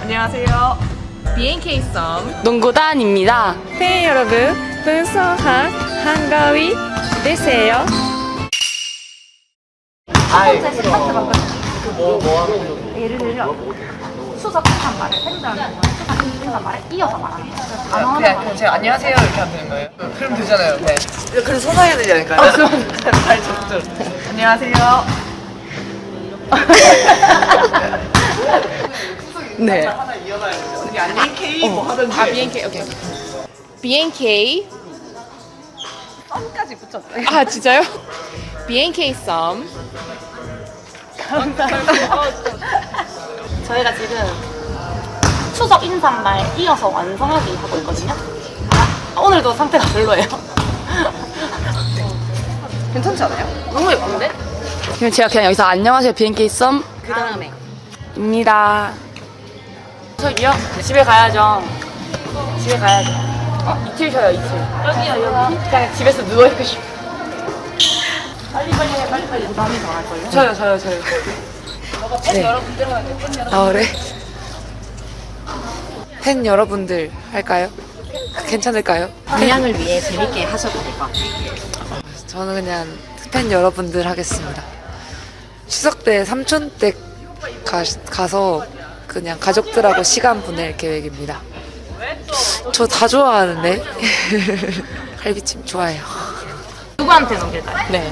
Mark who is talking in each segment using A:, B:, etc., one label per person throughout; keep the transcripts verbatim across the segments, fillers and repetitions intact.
A: 안녕하세요. 비엔케이 썸
B: 농구단입니다. 팬 여러분, 분성한 한가위 되세요.
A: 첫 번째 스타트 방금 뭐, 뭐 하는 예를 들어 수석한 말을 팬들한테 수석한 말을 이어서 말하는 거예요.
C: 그냥, 그냥 제가 안녕하세요 이렇게 하면 되는 거예요? 그럼 되잖아요. 네.
D: 그래서 서사해야 되지 않을까요?
C: 아, 그럼 잘 적절.
A: 안녕하세요.
B: 네.
D: 하나 이어가야 되죠. 이게 아니 K 뭐 하든지.
B: 아, 비엔케이, 오케이. 비엔케이.
A: 썸까지 붙였어요.
B: 아, 진짜요? 비엔케이 썸.
A: 저희가 지금 추석 인사말 이어서 완성하기 하고 있거든요. 아, 오늘도 상태가 별로예요.
D: 괜찮지 않아요?
A: 너무 예쁜데?
B: 그럼 제가 그냥 여기서 안녕하세요, 비엔케이 썸.
A: 그 다음에
B: 입니다. 저기요? 집에 가야죠. 집에 가야죠. 어, 이틀 쉬어요, 이틀.
A: 여기요 여기.
B: 그냥 집에서 누워있고 싶어.
A: 빨리 빨리 해 빨리 빨리. 부담이 더 할걸요?
B: 저요, 저요, 저요. 네. 아, 그래? 팬 여러분들 할까요? 괜찮을까요?
A: 방향을 위해 재밌게 하셔도 될 것 같아요.
B: 저는 그냥 팬 여러분들 하겠습니다. 추석 때 삼촌 댁 가, 가서 그냥 가족들하고 시간 보낼 계획입니다. 저 다 좋아하는데. 갈비찜 좋아해요.
A: 누구한테 넘길까요?
B: 네.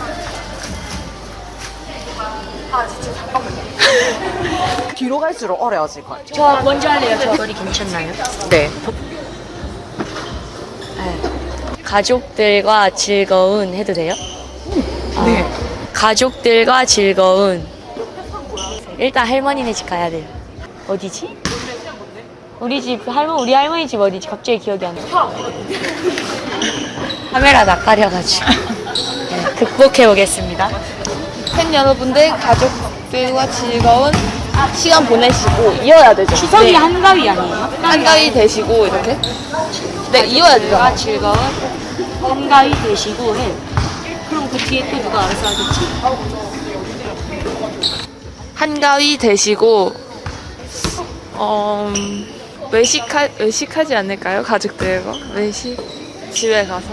D: 뒤로 갈수록 어려워질 것 같아요.
A: 저 먼저 할래요. 저 머리 괜찮나요?
B: 네.
E: 가족들과 즐거운 해도 돼요?
B: 네.
E: 가족들과 즐거운. 일단 할머니네 집 가야 돼요. 어디지? 우리 집 할머 우리 할머니 집 어디지? 갑자기 기억이 안 나. 카메라 낯가려가지고. 네, 극복해 보겠습니다.
B: 팬 여러분들 가족들과 즐거운 시간 보내시고
E: 이어야 되죠.
A: 추석이 한가위 아니에요?
B: 한가위 되시고 이렇게. 네, 이어야 되죠.
E: 가족들과 즐거운 한가위 되시고 해. 그럼 그 뒤에 또 누가 알아서 하겠지?
B: 한가위 되시고 어 외식하 외식하지 않을까요? 가족들과 외식 집에 가서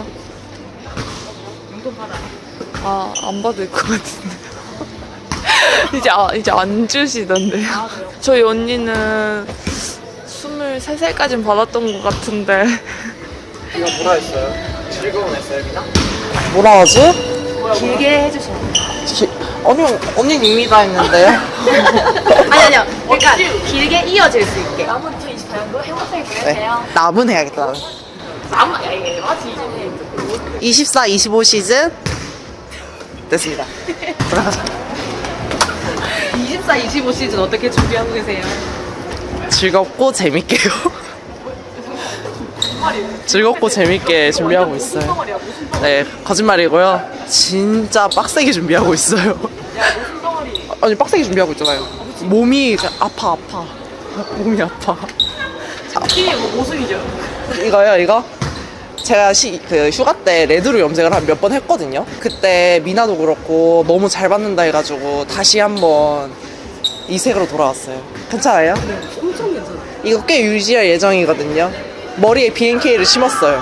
B: 아안 받을 것 같은데 이제 아, 이제 안 주시던데요. 저희 언니는 스물세 살까진 받았던 것 같은데
D: 이거 뭐라 했어요? 즐거운 에스엠이나? 뭐라 하지?
A: 길게 해주세요.
D: 기, 언니, 언니입니다 했는데요?
A: 아니 아니요. 그러니까 길게 이어질 수 있게. 남은 이천이십사 년도 행복하게
D: 네.
A: 보내세요.
D: 남은 해야겠다. 남은.
A: 남은 야 이게 맞지?
D: 이십사, 이십오 시즌 됐습니다. 돌아가자.
A: 이십사, 이십오 시즌 어떻게 준비하고 계세요?
D: 즐겁고 재밌게요. 즐겁고 재밌게 준비하고 있어요. 네, 거짓말이고요. 진짜 빡세게 준비하고 있어요. 아니, 빡세게 준비하고 있잖아요. 몸이 아파, 아파. 몸이 아파.
A: 이게 뭐 모습이죠?
D: 이거요, 이거? 제가 시, 그 휴가 때 레드로 염색을 한 몇 번 했거든요. 그때 미나도 그렇고 너무 잘 받는다 해가지고 다시 한번 이 색으로 돌아왔어요. 괜찮아요? 네, 엄청 괜찮아요. 이거 꽤 유지할 예정이거든요. 머리에 비엔케이를 심었어요.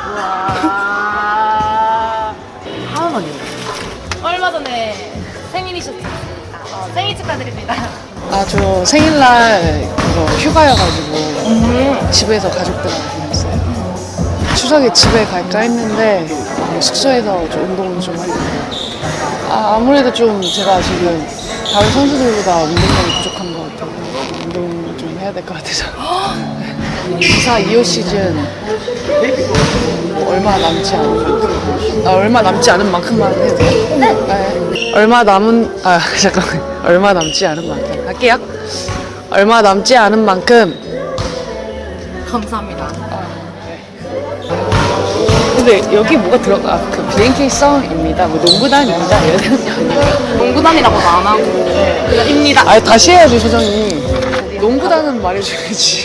A: 하모니. 얼마 전에 생일이셨습니다. 어, 생일 축하드립니다.
F: 아, 저 생일날 이거 휴가여가지고 집에서 가족들하고 보냈어요. 추석에 집에 갈까 했는데 뭐 숙소에서 좀 운동을 좀 하려고. 아, 아무래도 좀 제가 지금 다른 선수들보다 운동량이 부족한 것 같아요. 운동을 좀 해야 될 것 같아서. 이사 이 호 시즌 뭐 얼마 남지 않은 만큼, 아, 얼마 남지 않은 만큼만 해도 돼요? 네. 얼마 남은, 아, 잠깐만. 얼마 남지 않은 만큼. 할게요. 얼마 남지 않은 만큼.
A: 감사합니다.
F: 근데 여기 뭐가 들어가? 아, 그 비엔케이 썸입니다. 뭐 농구단입니다. 이래야 되는 거 아니에요?
A: 농구단이라고도 안 하고 그냥 입니다.
F: 아, 다시 해야지, 소장님. 농구단은 말해줘야지.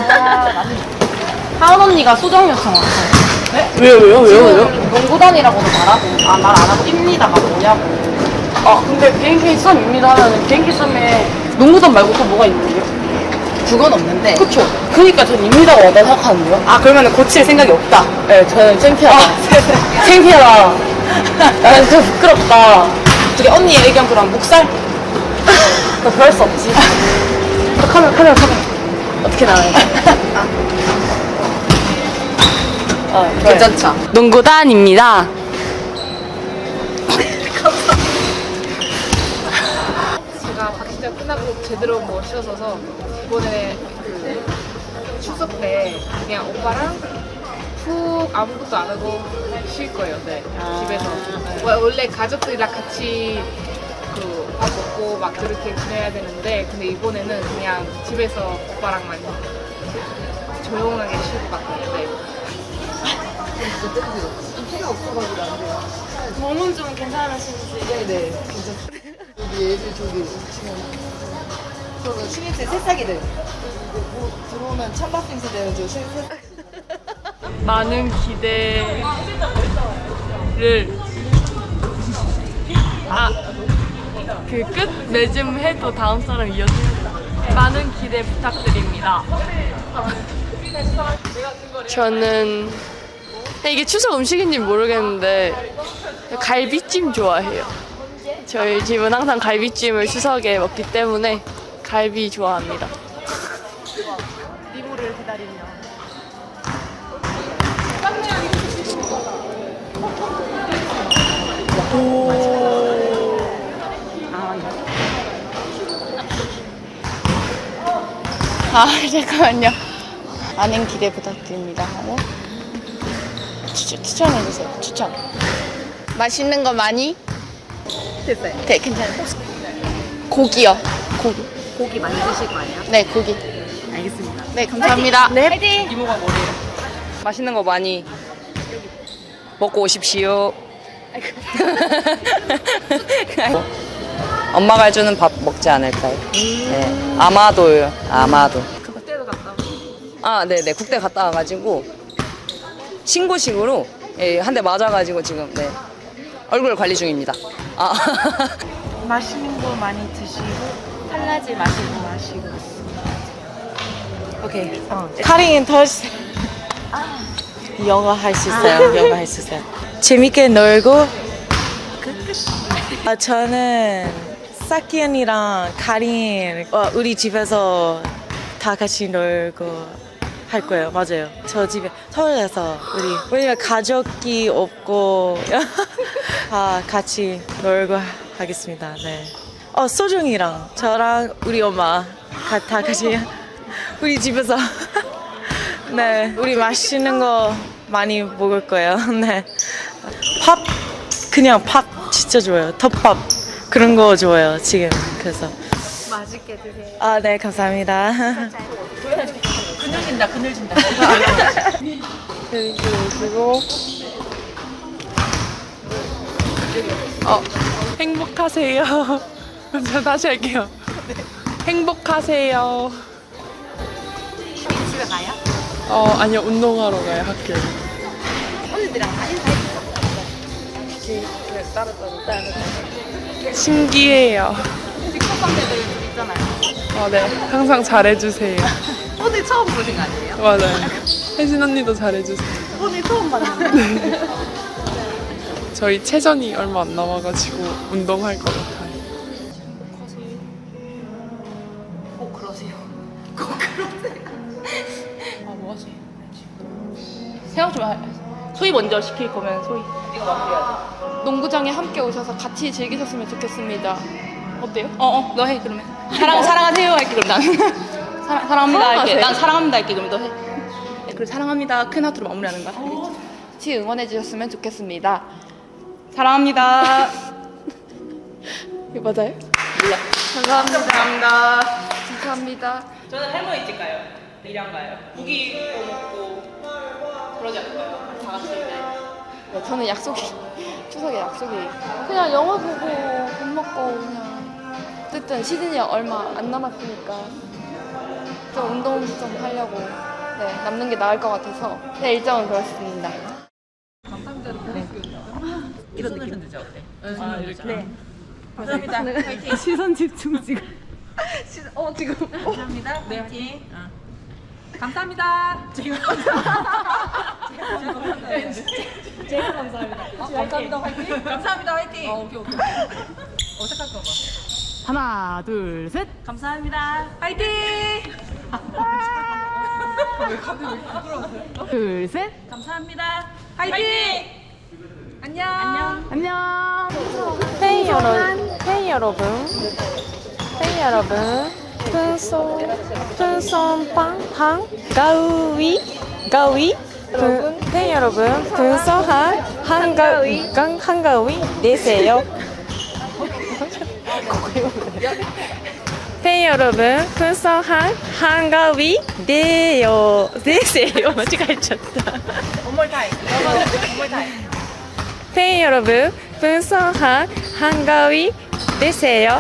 A: 하은 언니가 수정 요청 왔어요.
F: 왜요, 왜요, 왜요, 왜요?
A: 농구단이라고도 말하고 아 말 안 하고 입니다가 뭐냐고.
F: 아, 근데 비엔케이 썸입니다 하면 비엔케이 썸에 농구단 말고 또 뭐가 있는데요?
B: 그건 없는데.
E: 그쵸. 그니까 전 입니다가 와다 생각하는데요.
B: 아, 그러면 고칠 생각이 없다.
E: 네, 저는 창피하다. 창피하다. 나는 좀 부끄럽다.
B: 어떻게 언니의 의견 그럼 묵살?
E: 나 그럴 수 없지. 어, 카메라, 카메라, 카메라. 어떻게 나와요? 어,
B: 괜찮죠?
E: 농구단입니다.
G: 제가 박시장 끝나고 제대로 뭐 쉬어서서 이번에 그 추석 때 그냥 오빠랑 푹 아무것도 안 하고 쉴 거예요. 네. 집에서. 와- 원래 가족들이랑 같이 그 밥 먹고 막 그렇게 지내야 되는데 근데 이번에는 그냥 집에서 오빠랑만 조용하게 쉴 것 같아요. 네.
E: 몸은 좀 괜찮으신지.
B: 저는 신입생 새싹이들. 들어오면 찬밥생 세대는 저 신입생.
E: 많은 기대를 아, 그 끝 맺음 해도 다음 사람 이어지 많은 기대 부탁드립니다. 저는 이게 추석 음식인지 모르겠는데 갈비찜 좋아해요. 저희 집은 항상 갈비찜을 추석에 먹기 때문에 갈비 좋아합니다.
A: 리모를 기다리며.
F: 아 잠깐만요. 많은 기대 부탁드립니다 하고 추천, 추천해주세요. 추천. 맛있는 거 많이? 됐어요. 네 괜찮아요. 고기요. 고기.
B: 고기 많이 드실 거 아니에요?
F: 네 고기.
B: 알겠습니다.
F: 네 감사합니다. 네.
C: 이모가 뭐래요? 맛있는 거 많이 먹고 오십시오. 엄마가 해주는 밥 먹지 않을까요? 네. 아마도요. 아마도.
G: 그때도 갔다 오고.
C: 아, 네네. 국대 갔다 와가지고 신고식으로 예, 한 대 맞아가지고 지금 네. 얼굴 관리 중입니다. 아.
A: 맛있는 거 많이 드시고 탈라지 마시고 마시고.
C: 오케이.
H: 카링은 더 영어 할 수 있어요. 영어 할 수 있어요. 재밌게 놀고. 아, 저는 사키 언니랑 카린 어, 우리 집에서 다 같이 놀고 할 거예요. 맞아요. 저 집에 서울에서 우리 왜냐면 가족이 없고 아 같이 놀고 하겠습니다. 네. 어 소중이랑 저랑 우리 엄마 가, 다 같이 우리 집에서 네 우리 맛있는 거 많이 먹을 거예요. 네. 밥 그냥 밥 진짜 좋아요. 덮밥 그런 거 좋아요. 지금 그래서
A: 맛있게 드세요.
H: 아 네 감사합니다.
B: 그늘진다, 그늘진다.
F: 그리고 어 행복하세요. 저 다시 할게요. 행복하세요.
A: 집에 가요?
F: 어 아니요 운동하러 가요 학교.
A: 언니들이랑 다 인사해주세요.
F: 신기해요.
A: 직접 선배들 있잖아요.
F: 어, 네 항상 잘해주세요.
A: 오늘 처음 보신 거 아니에요?
F: 맞아요. 혜진 언니도 잘해주세요.
A: 오늘 처음 봤는데.
F: 저희 체전이 얼마 안 남아가지고 운동할 것 같아요.
A: 꼭 그러세요.
E: 아, 뭐 하지? 생각 좀 하. 소희 먼저 시킬 거면 소희.
C: 이거 마무리해야 돼.
E: 농구장에 함께 오셔서 같이 즐기셨으면 좋겠습니다. 어때요?
B: 어어, 너 해, 그러면. 사랑, 사랑하세요 할게, 그럼 나는. 사랑, 사랑합니다 할게. 난 사랑합니다 할게, 그럼 너 해. 네, 그리고 사랑합니다. 큰 하트로 마무리하는 거야. 알겠지?
E: 같이 응원해 주셨으면 좋겠습니다.
B: 사랑합니다.
E: 이거 맞아요?
B: 몰라.
E: 감사합니다.
B: 감사합니다.
E: 감사합니다.
B: 저는 할머니 집 가요. 일양 가요. 고기 구워 먹고 그러지 않을까요? 다 같이. 네.
E: 네, 저는 약속이 추석에 약속이 그냥 영화 보고 밥 먹고 그냥 어쨌든 시즌이 얼마 안 남았으니까 좀 운동 좀 하려고 네, 남는 게 나을 것 같아서 네, 일정은 그렇습니다.
B: 이런 느낌 되죠? 어때?
C: 아, 이렇게.
B: 감사합니다.
A: 시선 집중 지금.
D: 어 지금.
A: 감사합니다. 네, 화이팅. 감사합니다. 제가 제가 감사합니다. 감사합니다. 화이팅. 감사합니다. 화이팅. 어, 오케이 오케이. 어색할까 봐. 하나, 둘, 셋. 감사합니다. 화이팅. 왜 갑자기 부끄러워요? 둘, 셋. 감사합니다. 화이팅. 안녕. 안녕. 안녕.
E: 팬 여러분, 팬 여러분, 팬 여러분, 풍선, 풍선빵, 방, 가위, 가위, 분, 팬 여러분, 풍선한 한가위, 강 한가위 내세요. 팬 여러분, 풍선한 한가위 내요, 내세요. 어디가 있었다. 팬 여러분, 풍성한 한가위 되세요.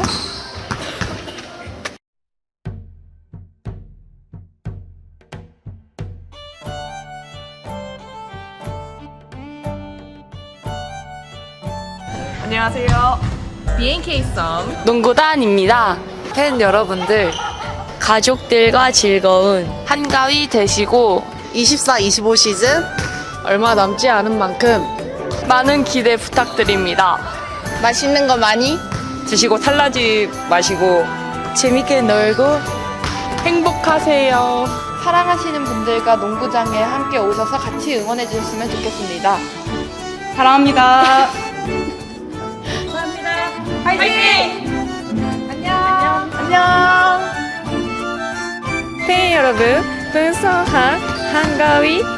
D: 안녕하세요.
B: 비엔케이 썸
E: 농구단입니다. 팬 여러분들, 가족들과 즐거운 한가위 되시고
D: 이십사, 이십오 시즌
F: 얼마 남지 않은 만큼
E: 많은 기대 부탁드립니다. 맛있는 거 많이
C: 드시고 탈라지 마시고
E: 재밌게 놀고
B: 행복하세요.
E: 사랑하시는 분들과 농구장에 함께 오셔서 같이 응원해 주셨으면 좋겠습니다.
B: 사랑합니다.
E: 팬 여러분, 풍성한 한가위